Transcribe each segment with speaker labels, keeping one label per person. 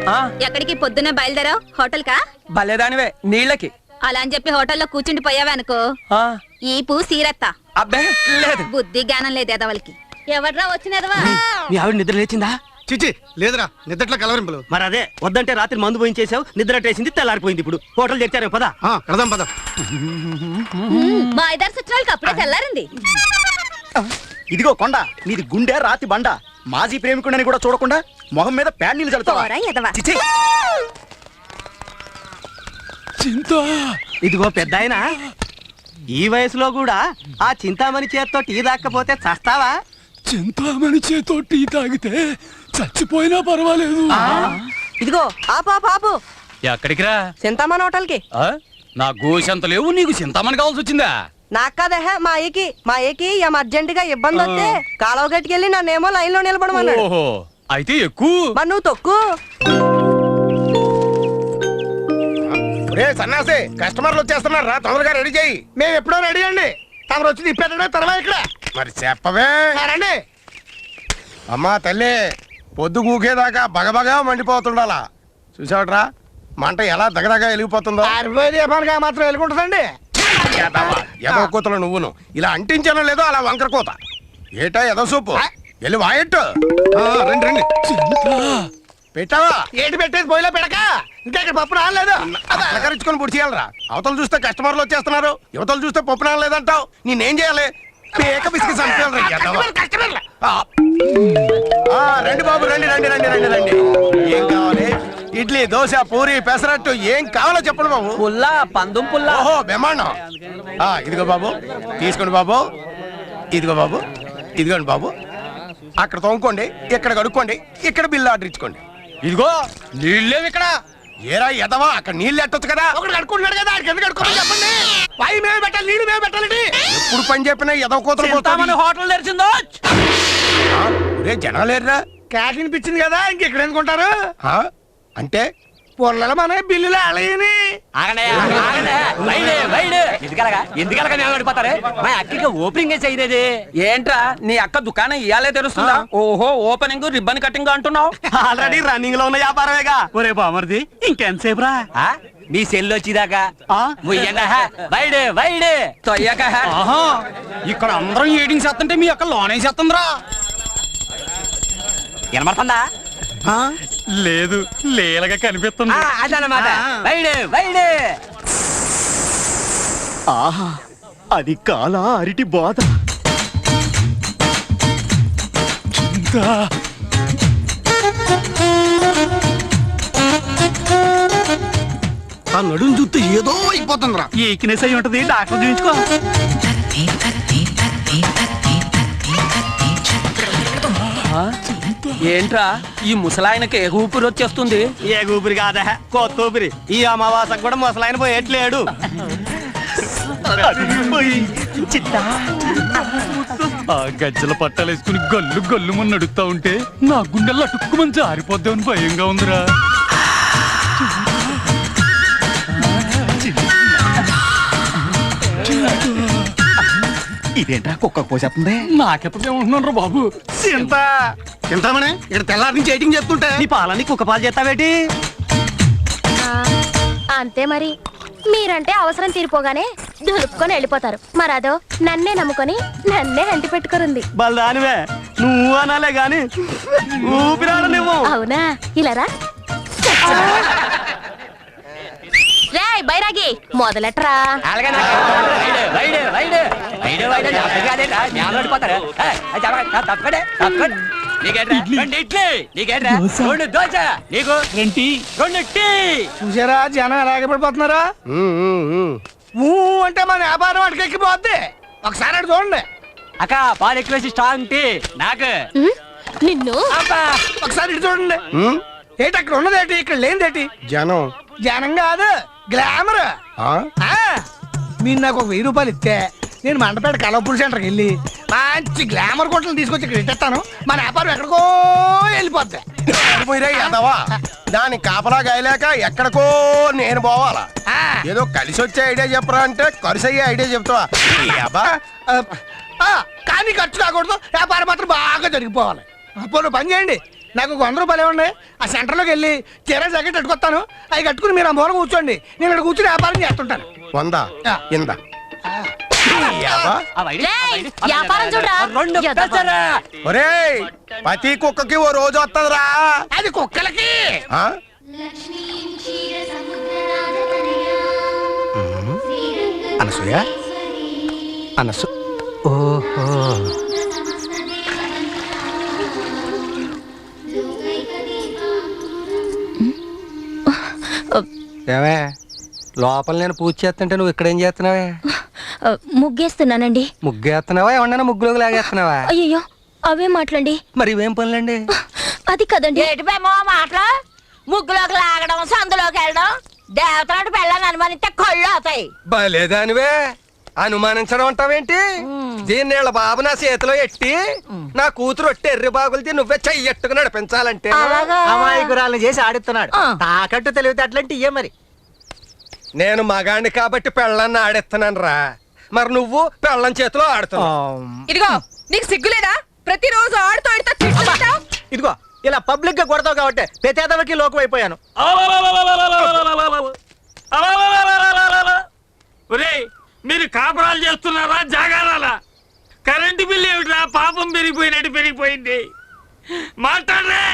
Speaker 1: ఎక్కడికి పొద్దున్న బయలుదేరావు? హోటల్ కా?
Speaker 2: భలేదానివే, నీళ్ళకి.
Speaker 1: అలా అని చెప్పి హోటల్లో కూర్చుండి పోయావనుకో ఈ పూ సీరత్తా.
Speaker 2: అబ్బే లేదు,
Speaker 1: బుద్ధి జ్ఞానం లేదు ఎదవలకి. ఎవడ్రా వచ్చినదవా?
Speaker 3: మీ ఆవిడ నిద్ర లేచిందా?
Speaker 4: చిచి లేదురా, నిద్రట్లో కలవరింపులు.
Speaker 3: మరి అదే వద్దంటే రాత్రి మందు పోయించేసావు, నిద్ర టేసింది, తెల్లారిపోయింది. ఇప్పుడు హోటల్ తెచ్చారు పదా.
Speaker 4: కడదాం పద.
Speaker 1: మా ఇద్దరు సచివాళ్ళకి అప్పుడే తెల్లారింది.
Speaker 3: ఇదిగో కొండ, నీది గుండె రాతి బండ. మాజీ ప్రేమికుడని కూడా చూడకుండా మొహం మీద ప్యాడ్ నీళ్ళు చల్లుతావా? చిచి. ఇదిగో పెద్దాయన, ఈ వయసులో కూడా ఆ చింతామణి చేత్తో టీ దాక్కపోతే చస్తావా?
Speaker 5: చింతామణి చేతో టీ తాగితే చచ్చిపోయినా పర్వాలేదు.
Speaker 6: ఇదిగో ఆపు.
Speaker 5: ఎక్కడికి రా?
Speaker 6: చింతామణి హోటల్ కి.
Speaker 5: నా గోషంత లేవు, నీకు చింతామణి కావాల్సి వచ్చిందా?
Speaker 6: నాకు కాదహ మా ఏకి ఏం అర్జెంట్ గా ఇబ్బంది వస్తే కాలువ గట్టుకెళ్ళి నన్నేమో లైన్ లో నిలబడమన్నాడు.
Speaker 5: ఓహో, అయితే ఎక్కువ.
Speaker 6: మరి నువ్వు తొక్కు.
Speaker 4: సన్నాసి, కస్టమర్లు వచ్చేస్తున్నారు రా, తొందరగా రెడీ చేయి. మేము ఎప్పుడో రెడీ అండి, తమరు వచ్చి తిప్పేటడే తర్వాత ఇక్కడ. మరి చెప్పవే రండి. అమ్మా తల్లి, పొద్దు కూకేదాకా బగబగా మండిపోతుండాలా. చూసావట్రా మంట ఎలా దగదగా వెలిగిపోతుందో. మాత్రం వెలుగుంటుందండి. ఎదో కూతలు నువ్వును ఇలా అంటించానో లేదో అలా వంకర కూత. ఏటా ఎదో సూపు వెళ్ళి వాయట్టు. రండి రండి. పెట్టావా? ఏంటి పెట్టేది పోయిలో పెడక. ఇంకా ఇక్కడ పప్పు రాలేదు, అలకరించుకొని పొడి చేయాలరా. అవతలు చూస్తే కస్టమర్లు వచ్చేస్తున్నారు, యువతలు చూస్తే పప్పు రాలేదంటావు. నేనేం చేయాలి? పేక బిస్కి రండి బాబు, రండి రండి రండి రండి రండి. ఏం కావాలి? ఇడ్లీ, దోశ, పూరి, పెసరట్టు ఏం కావాలో చెప్పండి బాబు.
Speaker 2: పుల్లా, పందుం పుల్లా.
Speaker 4: ఓహో బ్రహ్మాండం. ఇదిగో బాబు తీసుకోండి బాబు. ఇదిగో బాబు, ఇదిగోండి బాబు. అక్కడ తోముకోండి, ఇక్కడ కడుక్కోండి, ఇక్కడ బిల్లు ఆర్డర్ ఇచ్చుకోండి. ఇదిగో నీళ్ళేవి ఇక్కడ. ఏరా ఎదవా, అక్కడ నీళ్ళు ఎట్టొచ్చు కదా. ఒకటి కడుక్కుంటున్నాడు కదా, ఆడికి ఎందుకు కడుక్కోమని చెప్పండి. పై మేము పెట్టాలి, నీళ్ళు మేము పెట్టాలి. ఎప్పుడు పని చెప్పినా ఎదవ కూతురు
Speaker 2: హోటల్ తెరిచిందో.
Speaker 4: రే జనాలేరా, క్యాటీన్ పిచ్చింది కదా, ఇంకెక్కడ ఎందుకుంటారు అంటే పొల్లల మన బిల్లులు అలయని.
Speaker 2: ఎందుకలగా మా అక్కకి ఓపెనింగ్ చేయలేదు. ఏంట్రా నీ అక్క దుకాణం ఇయాలే తెరుస్తుందా? ఓహో, ఓపెనింగ్ రిబ్బన్ కటింగ్ అంటున్నావు.
Speaker 3: ఆల్రెడీ రన్నింగ్ లో ఉన్న వ్యాపారమేగా. ఒరే బామర్ది, ఇంకెంతసేపు రా
Speaker 2: మీ సెల్ వచ్చిదాకా ఇక్కడ అందరం ఏడింగ్ చేస్తుంటే మీ అక్క లోనే చేస్తుందిరా.
Speaker 3: వినమడుతుందా?
Speaker 5: లేదు, లేలగా కనిపిస్తుంది.
Speaker 2: అదనమాట.
Speaker 3: ఆహా, అది కాలా అరిటి బాధ.
Speaker 4: ఆ నడుము చూస్తే ఏదో అయిపోతుందిరా.
Speaker 3: ఈక్నెస్ అయి ఉంటది, డాక్టర్ చూపించుకో.
Speaker 2: ఏంట్రా ఈ ముసలాయనకి ఏ ఊపిరి వచ్చేస్తుంది?
Speaker 3: ఏ ఊపిరి కాదా, కొత్త ఊపిరి. ఈ అమావాసకు కూడా ముసలాయన పోయేట్లేడు.
Speaker 5: ఆ గజ్జల పట్టాలేసుకుని గల్లు గల్లు మన నడుస్తా ఉంటే నా గుండెల్లో అటుక్కుమని జారిపోద్దామని భయంగా ఉందిరా.
Speaker 3: ఇదేంట్రా కుక్క పోసేస్తుంది?
Speaker 5: నాకెప్పుడు ఏమంటున్నాను రా బాబు.
Speaker 4: చింతామణి, ఇక్కడ తెల్లారి నుంచి ఎయిటింగ్ చెప్తుంటే
Speaker 3: నీ పాలని కుక్క పాలు చేస్తావేటి?
Speaker 7: అంతే మరి. మీరంటే అవసరం తీరిపోగానే దులుపుకొని వెళ్ళిపోతారు. మరదో నన్నే నమ్ముకొని నన్నే అంటి పెట్టుకురుంది.
Speaker 3: బల్దానివే, నువ్వు అనాలే గాని ఊపిరాడు నువ్వు.
Speaker 7: అవునా? ఇలారా రే బైరాగి, మొదలెట్రా.
Speaker 4: చూసారా జనం ఎలాగ పడిపోతున్నారా. అంటే మన వ్యాపారం అటుకు ఎక్కిపోద్ది. ఒకసారి అటు చూడండి.
Speaker 2: అక్క పాలు ఎక్కువ స్ట్రాంగ్ టీ నాకు.
Speaker 7: నిన్ను
Speaker 4: ఒకసారి ఇటు చూడండి. ఏంటి అక్కడ ఉన్నదేటి, ఇక్కడ లేనిదేటి? జనం. జనం కాదు, గ్లామర్. మీరు నాకు ఒక 1000 రూపాయలు ఇస్తే నేను మండపేట కలవపూడి సెంటర్కి వెళ్ళి మంచి గ్లామర్ కొట్టలు తీసుకొచ్చి ఇక్కడ ఇట్టేస్తాను. మన వ్యాపారం ఎక్కడికో వెళ్ళిపోద్ది. దాని కాపలా గాయలేక ఎక్కడికో నేను పోవాలా? ఏదో కలిసి వచ్చే ఐడియా చెప్పరా అంటే ఖర్చు అయ్యే ఐడియా చెప్తావా? కానీ ఖర్చు కాకూడదు, వ్యాపారం మాత్రం బాగా జరిగిపోవాలి. అప్పుడు పని చేయండి, నాకు 100 రూపాయలు ఇవ్వండి. ఆ సెంటర్లోకి వెళ్ళి చీర జాకెట్ కట్టుకొస్తాను. అవి కట్టుకుని మీరు ఆ మూల కూర్చోండి, నేను ఇక్కడ కూర్చుని వ్యాపారం చేస్తుంటాను. 100 ఇందా.
Speaker 7: వ్యాపారం చూడరా
Speaker 4: ఒరేయ్, ప్రతి కుక్కకి ఓ రోజు వస్తుందిరా. అది కుక్కలకి. అనసూయ, అనసు, ఓహో, ఏమే లోపల నేను పూజ చేస్తుంటే నువ్వు ఇక్కడేం చేస్తున్నావే?
Speaker 7: ముగ్గేస్తున్నానండి.
Speaker 4: ముగ్గేస్తున్నావా? ఏమన్నా ముగ్గులోకి లాగేస్తున్నావా?
Speaker 7: అయ్యో అవే మాట్లాడండి.
Speaker 4: మరి ఇవేం పనులండి?
Speaker 7: అది కదండి.
Speaker 1: ఏటిపేమో మాటలు ముగ్గులోకి లాగడం, సందులోకి వెళ్ళడం, దేవతలాంటి పెళ్ళని అనుమానిస్తే కళ్ళు అవుతాయి.
Speaker 4: బలేదానివే, అనుమానించడం అంటావేంటి? దీన్నేళ్ళ బాబు నా చేతిలో ఎట్టి నా కూతురు ఒట్టి ఎర్రి బాగులది నువ్వే చెయ్యట్టుకు నడిపించాలంటే
Speaker 3: అమాయకురాలను చేసి ఆడిస్తున్నాడు. తాకట్టు తెలివితే అట్లాంటి ఇయ్యే మరి.
Speaker 4: నేను మగాణ్ణి కాబట్టి పెళ్ళాన్ని ఆడెత్తన్నాను రా. మరి నువ్వు పెళ్ళం చేతిలో ఆడుతున్నావు.
Speaker 6: ఇదిగో నీకు సిగ్గులేదా? ప్రతిరోజు ఆడుతూ
Speaker 3: ఇదిగో ఇలా పబ్లిక్ గా కొడతావు కాబట్టి ప్రతేదవకి లోకం అయిపోయాను.
Speaker 5: ఒరేయ్, మీరు కాపురాలు చేస్తున్నారా జాగారాలా? కరెంటు బిల్లు ఏమిట్రా పాపం పెరిగిపోయినట్టు పెరిగిపోయింది. మాట్లాడరే.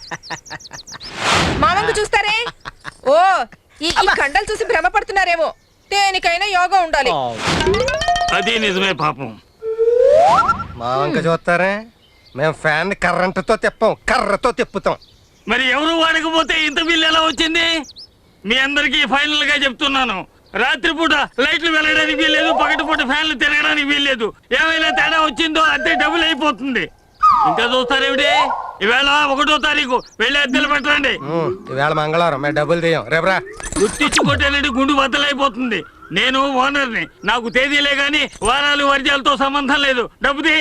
Speaker 6: మానంగు చూస్తారే. ఓ ఈ కండలు చూసి భ్రమపడుతున్నారేమో. దేనికైనా యోగా ఉండాలి.
Speaker 5: అది నిజమే పాపం.
Speaker 4: మా వంక చూస్తారే, మేము ఫ్యాన్ కర్రంటతో తిప్పాం, కర్రతో తిప్పుతాం.
Speaker 5: మరి ఎవరు వాడకపోతే ఇంత బిల్లు ఎలా వచ్చింది? మీ అందరికీ ఫైనల్ గా చెప్తున్నాను, రాత్రిపూట లైట్లు వెళ్ళడానికి వీల్లేదు, పగటిపూట ఫ్యాన్లు తిరగడానికి వీల్లేదు. ఏమైనా తేడా వచ్చిందో అంతే డబుల్ అయిపోతుంది. ఇంకా చూస్తారేమిటి? ఈవేళ 1వ తారీఖు వెళ్ళి అద్దెలు పెట్టండి.
Speaker 4: ఈవేళ మంగళవారం, మేము డబ్బులు తీయం. రేపరా
Speaker 5: గుర్తించి కొట్టేనండి, గుండు బద్దలైపోతుంది. నేను ఓనర్ని, నాకు తేదీలే గాని వారాలు వర్జాలతో సంబంధం లేదు. డబ్బు తీ.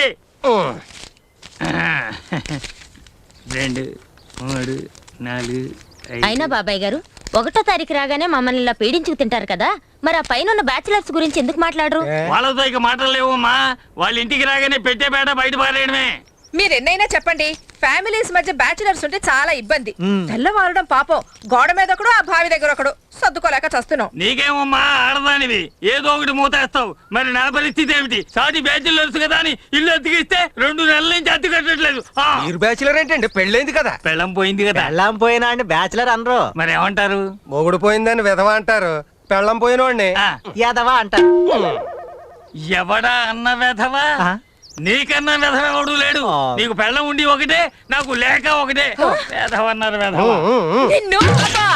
Speaker 5: 2 3 4
Speaker 7: అయినా బాబాయ్ గారు 1వ తారీఖు రాగానే మమ్మల్ని ఇలా పీడించుకు తింటారు కదా, మరి ఆ పైన ఉన్న బ్యాచిలర్స్ గురించి ఎందుకు మాట్లాడరు?
Speaker 5: వాళ్ళతో ఇక మాటలు లేవమ్మా. వాళ్ళ ఇంటికి రాగానే పెట్టే బేట బయట పారేయడమే.
Speaker 6: మీరెన్నైనా చెప్పండి, ఫ్యామిలీస్ మధ్య బ్యాచిలర్స్ ఉంటే చాలా ఇబ్బంది. తెల్లవారడం పాపం, గోడ మీద ఒకడు, ఆ బావి దగ్గర ఒకడు, సర్దుకోలేక చస్తున్నాం.
Speaker 5: నీకేమమ్మా, ఆడదానివి ఏదో ఒకటి మూతేస్తావు. మరి నా పరిస్థితి ఏమిటి? సాటి బ్యాచులర్స్ కదా అని ఇల్లు అతికిస్తే 2 నెలల నుంచి అతి కట్టట్లేదు.
Speaker 4: మీరు బ్యాచులర్ ఏంటండి? పెళ్ళైంది కదా.
Speaker 5: పెళ్ళం పోయింది కదా.
Speaker 3: పెళ్ళాం పోయినా అండి బ్యాచిలర్ అనరు.
Speaker 5: మరి ఏమంటారు?
Speaker 4: మొగుడు పోయిందని విధవ అంటారు, పెళ్ళం పోయినోడిని
Speaker 3: యాదవా అంటారు.
Speaker 5: ఎవడా అన్న వెధవా? నీకన్నా వెధవ ఎవడు లేడు. నీకు పెళ్ళం ఉండి ఒకటే, నాకు లేక ఒకటే. వెధవ అన్నారు వెధవ.